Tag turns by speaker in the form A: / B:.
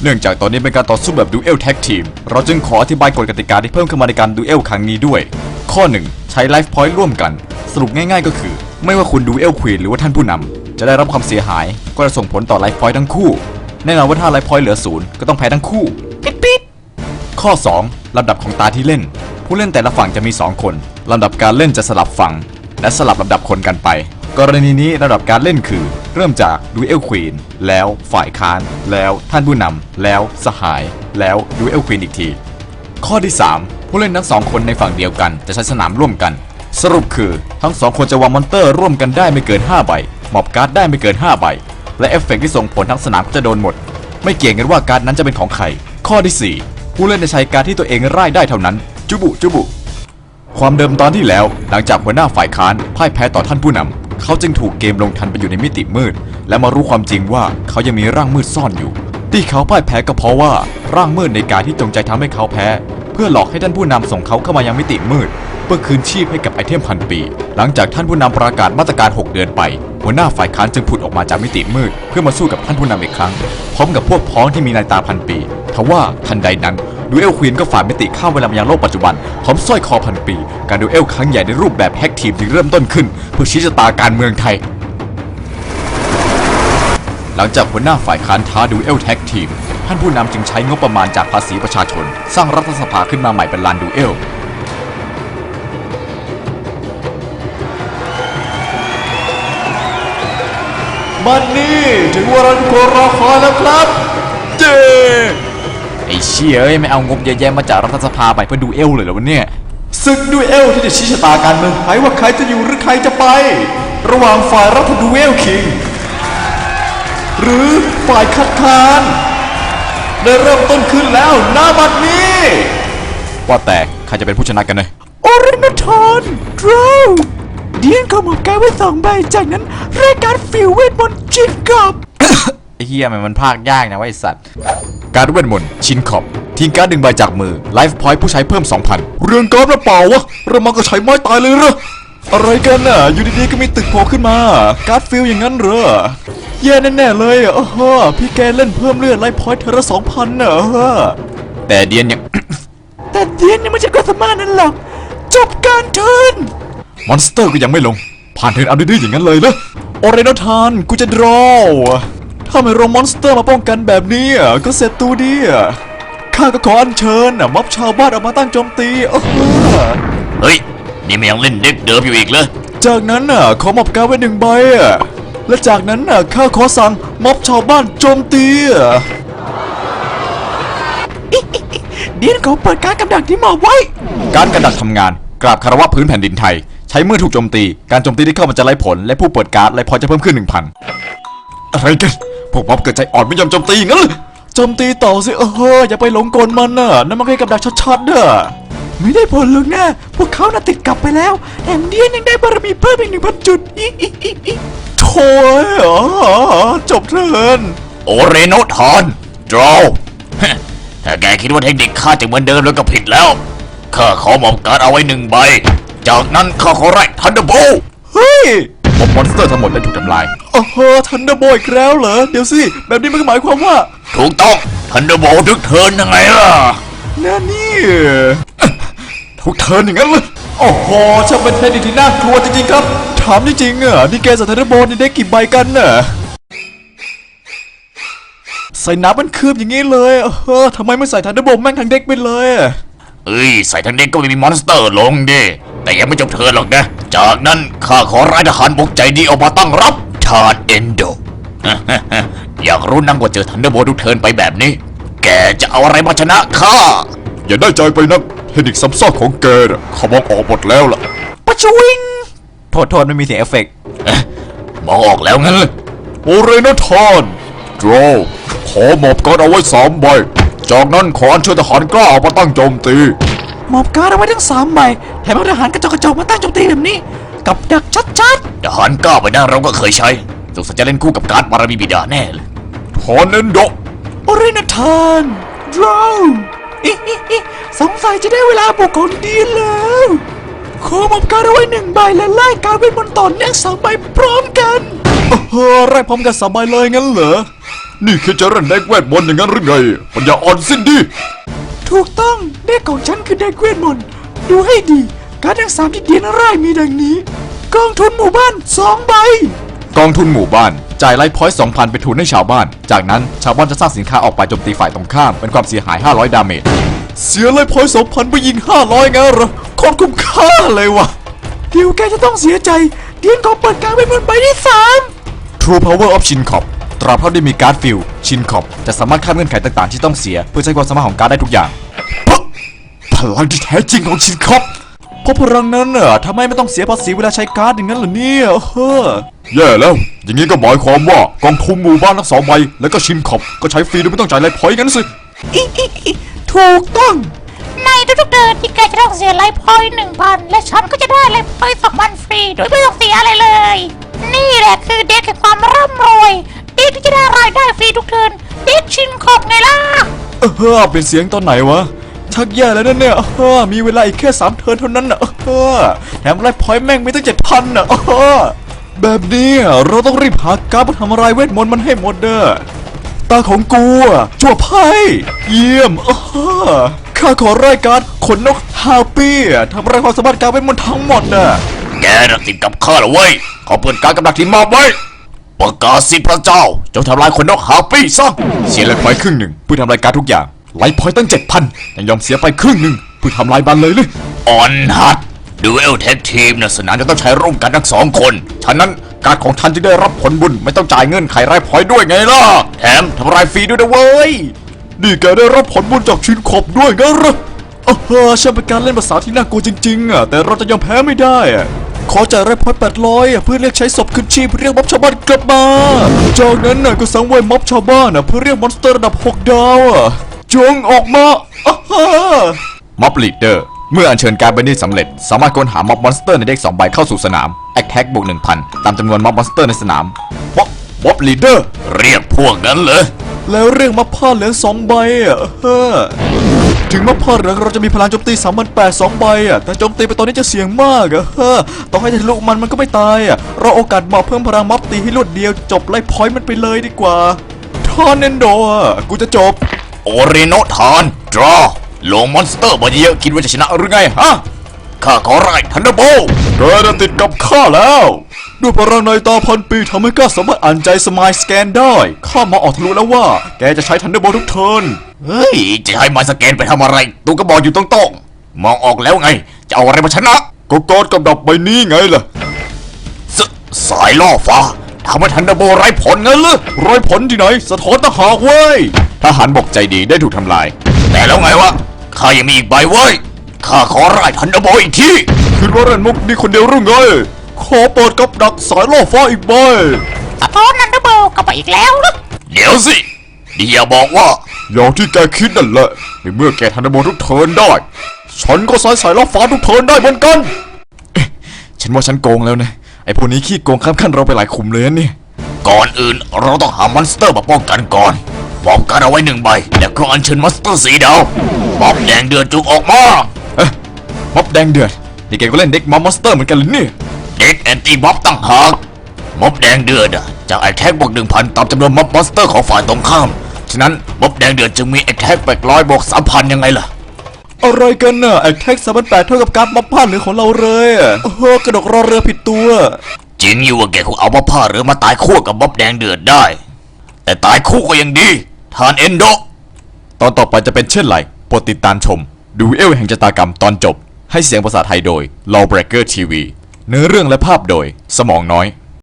A: เนื่องจากตอนนี้เป็นการต่อสู้แบบดูเอลแท็กทีมเราจึงขออธิบายกฎกติกาที่เพิ่มขึ้นมาในการดูเอลครั้งนี้ด้วยข้อ 1 ใช้ไลฟ์พอยต์ร่วมกันสรุปง่ายๆก็คือไม่ว่าคุณดูเอลควีนหรือว่าท่านผู้นำจะได้รับความเสียหายก็จะส่งผลต่อไลฟ์พอยต์ทั้งคู่แน่นอนว่าถ้าไลฟ์พอยต์เหลือ0ก็ต้องแพ้ทั้งคู่ปิดข้อ 2 ลำดับของตาที่เล่นผู้เล่นแต่ละฝั่งจะมี2คนลำดับการเล่นจะสลับฝั่งและสลับลำดับคนกันไปกรณีนี้ระดับการเล่นคือเริ่มจากดูเอลควีนแล้วฝ่ายค้านแล้วท่านผู้นำแล้วสหายแล้วดูเอลควีนอีกทีข้อที่ 3 ผู้เล่นทั้ง2คนในฝั่งเดียวกันจะใช้สนามร่วมกันสรุปคือทั้ง2คนจะวางมอนเตอร์ร่วมกันได้ไม่เกิน5ใบมอบการ์ดได้ไม่เกิน5ใบและเอฟเฟกต์ที่ส่งผลทั้งสนามก็จะโดนหมดไม่เกี่ยงกันว่าการ์ดนั้นจะเป็นของใครข้อที่4ผู้เล่นจะใช้การ์ดที่ตัวเองร่ายได้เท่านั้นจุบุความเดิมตอนที่แล้วหลังจากหัวหน้าฝ่ายค้านพ่ายแพ้ต่อท่านผู้นำเขาจึงถูกเกมลงทันไปอยู่ในมิติมืดและมารู้ความจริงว่าเขายังมีร่างมืดซ่อนอยู่ที่เขาพ่ายแพ้ก็เพราะว่าร่างมืดในการที่จงใจทำให้เขาแพ้เพื่อหลอกให้ท่านผู้นำส่งเขาเข้ามายังมิติมืดเพื่อคืนชีพให้กับไอเทมพันปีหลังจากท่านผู้นำประกาศมาตรการ6 เดือนไปหัวหน้าฝ่ายค้านจึงผุดออกมาจากมิติมืดเพื่อมาสู้กับท่านผู้นำอีกครั้งพร้อมกับพวกพ้องที่มีนายตาพันปีทว่าทันใดนั้นดูเอลควีนก็ฝ่ามิติข้ามเวลามายังโลกปัจจุบันพร้อมสร้อยคอพันปีการดูเอลครั้งใหญ่ในรูปแบบแฮกทีมจึงเริ่มต้นขึ้นเพื่อชี้ชะตาการเมืองไทยหลังจากหัวหน้าฝ่ายค้านท้าดูเอลแท็กทีมท่านผู้นำจึงใช้งบประมาณจากภาษีประชาชนสร้างรัฐสภาขึ้นมาใหม่เป็นลานดูเอลมันนี่ถึงเวลาที่คนรอคอยแล้วครับเจ้ไอ้เชี่ยไม่เอางบเยอะแยะมาจากรัฐสภาไปเพื่อดูเอลเลยเหรอวะเนี่ยศึกดูเอลที่จะชี้ชะตาการเมืองไทยว่าใครจะอยู่หรือใครจะไประหว่างฝ่ายรัฐดูเอลคิงหรือฝ่ายคัดค้านได้เริ่มต้นขึ้นแล้วณบัดนี้ว่าแต่ใครจะเป็นผู้ชนะกันเนี่ย
B: โอเรนทอนดราวเดียนเขาหมอบการไว้2 ใบจากนั้นรายการฟิวเวทมนต์ชินกับ
A: ไอ้เหี้ยมันพากยากนะว่าไอ้สัตว์การเวทมนต์ชินขอบทิ้งการ์ด1 ใบจากมือไลฟ์พอยต์ผู้ใช้เพิ่ม 2,000 เรื่องการ์ดหรือเปล่าวะเรามาก็ใช้ไม้ตายเลยเหรออะไรกันน่ะอยู่ดีๆก็มีตึกโผล่ขึ้นมาการ์ดฟิลอย่างนั้นเหรอแย่แน่ๆเลยโอ้โหพี่แกเล่นเพิ่มเลือดไลฟ์พอยต์เธอละ 2,000 น่ะแต่เดียนยัง
B: แต่เดียนยังไม่ใช่ความสามารถนั้นหรอกจบการเทิร์น
A: มอนสเตอร์ก็ยังไม่ลงผ่านเทิร์นเอาดื้อๆอย่างนั้นเลยเหรอโอเรโนทานกูจะดรอถ้าไม่รอมอนสเตอร์มาป้องกันแบบนี้ก็เสร็จตัวดีข้าก็ขออัญเชิญม็อบชาวบ้านออกมาตั้งโจมตี
C: เฮ้ยนี่มันยังเล่นเด็กเดิมอยู่อีกเหรอ
A: จากนั้นขอมอบการ์ดไว้1 ใบและจากนั้นข้าขอสั่งม็อบชาวบ้านโจมตี
B: เดียนเขาเปิดการกำดักที่หมอบไว้
A: การกระดักทำงานกราบคารวะพื้นแผ่นดินไทยใช้เมื่อถูกโจมตีการโจมตีที่เข้ามาจะไร้ผลและผู้เปิดการ์ดไร้พอยจะเพิ่มขึ้น 1,000 อะไรกันพวกม็อบเกิดใจอ่อนไม่ยอมโจมตีงั้นเลยโจมตีต่อสิอย่าไปหลงกลมันนั่นมันแค่กับดักชัดๆ
B: ไม่ได้ผลหรอกนะพวกเขาติดกลับไปแล้วแถมเดียนยังได้บารมีเพิ่มอีก 1,000 จุด
A: โถ่จบเถิน
C: โอเรโนทอนดรอถ้าแกคิดว่าเทคนิคข้าจะเหมือนเดิมแล้วก็ผิดแล้วข้าขอมอบการ์ดเอาไว้1 ใบจากนั้นข้าขอไล่ทันเดอร์โบ
A: เฮ้ยมอนสเตอร์ทั้งหมดได้ถูกทำลายทันเดอร์โบอีกแล้วเหรอเดี๋ยวสิแบบนี้มันหมายความว่า
C: ถูกต้องทันเดอร์โบทุกเทิร์นยังไงล่ะ
A: นั่นนี่ทุกเทิร์นอย่างนั้นเลยโอ้โหช่างเป็นเทคนิคที่น่ากลัวจริงๆครับถามจริงๆนี่แกใส่ทันเดอร์โบนี่ได้กี่ใบกันใส่น้ำมันคืบอย่างนี้เลยทำไมไม่ใส่ทันเดอร์โบแม่งทั้งเด็กไปเลย
C: ใส่ทั้งเด็กก็ไม่มีมอนสเตอร์ลงดิแต่ยังไม่จบเทิร์นหรอกนะจากนั้นข้าขอร้ายทหารบกใจดีออกมาตั้งรับทาร์เอนโด อยากรู้นักว่าเจอทันเดอร์โบทุกเทิร์นไปแบบนี้แกจะเอาอะไรมาชนะข้า
A: อย่าได้ใจไปนักเทคนิคซ้ำซ้อนของแกเขามองออกหมดแล้วล่ะ
B: ปะชวิง
A: โทษไม่มีเสียงเอฟเฟกต์
C: มองออกแล้วงั้น
A: โอเรโนทอนดรอขอหมอบการ์ดเอาไว้3 ใบจากนั้นขออัญเชิญทหารกล้าออกมาตั้งโจมตี
B: หมอบการ์ดเอาไว้ทั้ง3 ใบแถมเอาทหารกระจอกมาตั้งโจมตีแบบนี้กับดักชัด
C: ทหารกล้าไปนั่นเราก็เคยใช้สงสัยจะเล่นคู่กับการ์ดบารมีบิดาแน่เลย
A: ทอนเอนโด
B: โอเรนทานดราวสงสัยจะได้เวลาบุกของดีแล้วขอหมอบการ์ดเอาไว้1 ใบและไล่การเวทมนต์ต่อเนื่อง3 ใบพร้อมกัน
A: ไล่พร้อมกัน3 ใบเลยงั้นเหรอนี่คือจะเล่นเด็กเวทมนต์อย่างนั้นหรือไงปัญญาอ่อนสิ้นดี
B: ถูกต้องเด็กของฉันคือเด็กเวทมนต์ดูให้ดีการ์ดทั้ง3ที่เดียนร่ายมีดังนี้กองทุนหมู่บ้าน2 ใบ
A: กองทุนหมู่บ้านจ่ายไลฟ์พอยต์ 2,000 ไปทุนให้ชาวบ้านจากนั้นชาวบ้านจะสร้างสินค้าออกไปโจมตีฝ่ายตรงข้ามเป็นความเสียหาย500ดาเมจเสียไลฟ์พอยต์ 2,000 ไปยิง500งั้นเหรอโคตรคุ้มค่าเลยวะ
B: เดี๋ยวแกจะต้องเสียใจเดียนขอเปิดการเวทมนต์ใบที่3
A: True Power of Shincop ตราบเท่าที่มีการ์ดฟิลชินคอปจะสามารถข้ามเงื่อนไขต่างๆที่ต้องเสียเพื่อใช้ความสามารถของการ์ดได้ทุกอย่างพลังที่แท้จริงของชินคอปเพราะพลังนั้นน่ะทำไมไม่ต้องเสียภาษีเวลาใช้การ์ดอย่างนั้นเหรอเนี่ยแย่แล้ว อย่างนี้ก็หมายความว่ากองทุนหมู่บ้านทั้ง2 ใบแล้วก็ชินคอปก็ใช้ฟรีโดยไม่ต้องจ่ายไลฟ์พอยต์งั้นสิ
B: ถูกต้อง
D: ในทุกๆเดือนที่แกจะต้องเสียไลฟ์พอยต์ 1,000 และฉันก็จะได้ไลฟ์พอยต์ 2,000 ฟรีโดยไม่ต้องเสียอะไรเลย นี่แหละคือเด็กแห่งความร่ำรวยเด็กที่จะได้รายได้ฟรีทุกเดือนเด็กชินขอบไงล่ะ
A: เป็นเสียงตอนไหนวะชักแย่แล้วนะเนี่ยมีเวลาอีกแค่3 เทิร์นเท่านั้นน่ะแถมไลฟ์พอยต์แม่งไม่ตั้ง 7,000 น่ะแบบนี้เราต้องรีบหาการ์ดมาทำลายเวทมนต์มันให้หมดเด้อตาของกูจั่วไพ่เยี่ยมข้าขอรายการขนนกฮาปี้ทำลายความสามารถการเวทมนต์ทั้งหมดน่ะ
C: แกน่ะติดกับข้าเหรอเว้ยขอเปิดการกำลังที่มอบไว้ประกาศสิพระเจ้าจงทำลายคนนกฮาปี้ซะ
A: เสียไลฟ์พอยต์ครึ่งหนึ่งเพื่อทำลายการทุกอย่างไลฟ์พอยต์ตั้ง 7,000 ยังยอมเสียไปครึ่งหนึ่งเพื่อทำลายบันเลยหรือ
C: ออนฮัตดูเอลแท็กทีมนะสนามจะต้องใช้ร่วมกันทั้ง2 คน
A: ฉะนั้นการของท่านจะได้รับผลบุญไม่ต้องจ่ายเงินไขไลฟ์พอยต์ด้วยไงล่ะแถมทำลายฟรีด้วยนะเว้ยนี่แกได้รับผลบุญจากชินขอบด้วยงั้นเหรอช่างเป็นการเล่นภาษาที่น่ากลัวจริงๆแต่เราจะยอมแพ้ไม่ได้ขอจ่ายไลฟ์พอยต์800เพื่อเรียกใช้ศพคืนชีพเรียกม็อบชาวบ้านกลับมาจากนั้นก็สังเวยม็อบชาวบ้านเพื่อเรียกมอนสเตอร์ระดับ6 ดาวจงออกมาม็อบลีดเดอร์เมื่ออัญเชิญการ์ดใบนี้สำเร็จสามารถค้นหาม็อบมอนสเตอร์ในเด็ก2 ใบเข้าสู่สนามแอคแท็กบวก 1,000 ตามจำนวนม็อบมอนสเตอร์ในสนามม็อบลีดเดอร์
C: เรียกพวกนั้นเลย
A: แล้วเรียกม็อบผ้าเหลือง2 ใบถึงม็อบผ้าเหลืองเราจะมีพลังโจมตี3,800 2 ใบแต่โจมตีไปตอนนี้จะเสี่ยงมากต้องให้ทะลุมันก็ไม่ตายเราโอกาสเหมาะเพิ่มพลังม็อบตีให้รวดเดียวจบไล่พอยต์มันไปเลยดีกว่าทอนเนนโดกูจะจบ
C: โอเรโนทานดรอลงมอนสเตอร์มาเยอะคิดว่าจะชนะหรือไงฮะข้าขอไล่ทันเดอร์โบล
A: แกจะติดกับข้าแล้วด้วยพลังในตาพันปีทำให้ข้าสามารถอ่านใจสมายสแกนได้ข้ามาออกทะลุแล้วว่าแกจะใช้ทันเดอร์โบลทุกเทิร์น
C: เฮ้ยจะให้มาสแกนไปทำอะไรตัวก็บอกอยู่ตรงๆมองออกแล้วไงจะเอาอะไรมาชนะ
A: ก็กอดกับดับใบนี้ไงล่ะ
C: สายล่อฟ้าทำให้ทันเดอร์โบลไร้ผลงั้นเหรอ
A: รอยผลที่ไหนสะท้อนทหารเว้ยทหารบกใจดีได้ถูกทำลาย
C: แต่แล้วไงวะข้ายังมีอีกใบเว้ยข้าขอไล่ทันเดอร์โบลอีกที
A: คิดว่าเล่นมุกนี่คนเดียวหรือไงขอเปิดกับดักสายล่อฟ้าอีกใบ
D: สะท้อนนันเดอร์โบลกลับไปอีกแล้วนะ
C: เดี๋ยวสินี่อย่าบอกว่า
A: อย่างที่แกคิดนั่นแหละในเมื่อแกทันเดอร์โบลทุกเทิร์นได้ฉันก็สายล่อฟ้าทุกเทิร์นได้เหมือนกันฉันว่าฉันโกงแล้วนะไอ้พวกนี้ขี้โกงข้ามขั้นเราไปหลายขุมเลยนะเนี่ย
C: ก่อนอื่นเราต้องหามอนสเตอร์มาป้องกันก่อนป้องกันเอาไว้1 ใบแล้วก็อัญเชิญมอนสเตอร์4 ดาวม็อบแดงเดือดจุกออกมา
A: ม็อบแดงเดือดนี่แกก็เล่นเด็กม็อบมอนสเตอร์เหมือนกันเลยเนี่ย
C: เด็กแอนตี้ม็อบตั้งหากม็อบแดงเดือดจากแอคแท็กบวก 1,000 ตามจำนวนม็อบมอนสเตอร์ของฝ่ายตรงข้ามฉะนั้นม็อบแดงเดือดจึงมีแอคแท็ก800บวก 3,000 ยังไงล่ะ
A: อะไรกันน่ะแอคแท็ก3,800เท่ากับการม็อบผ้าเหลืองของเราเลยกระดกรอเรือผิดตัว
C: จริงอยู่ว่าแกคงเอาม็อบผ้าหรือมาตายคู่กับม็อบแดงเดือดได้ แต่ตายคู่ก็ยังดีทานเอนโด
A: ตอนต่อไปจะเป็นเช่นไรโปรดติดตามชมดูเอลแห่งชะตากรรมตอนจบให้เสียงภาษาไทยโดย Lawbreaker TV เนื้อเรื่องและภาพโดยสมองน้อย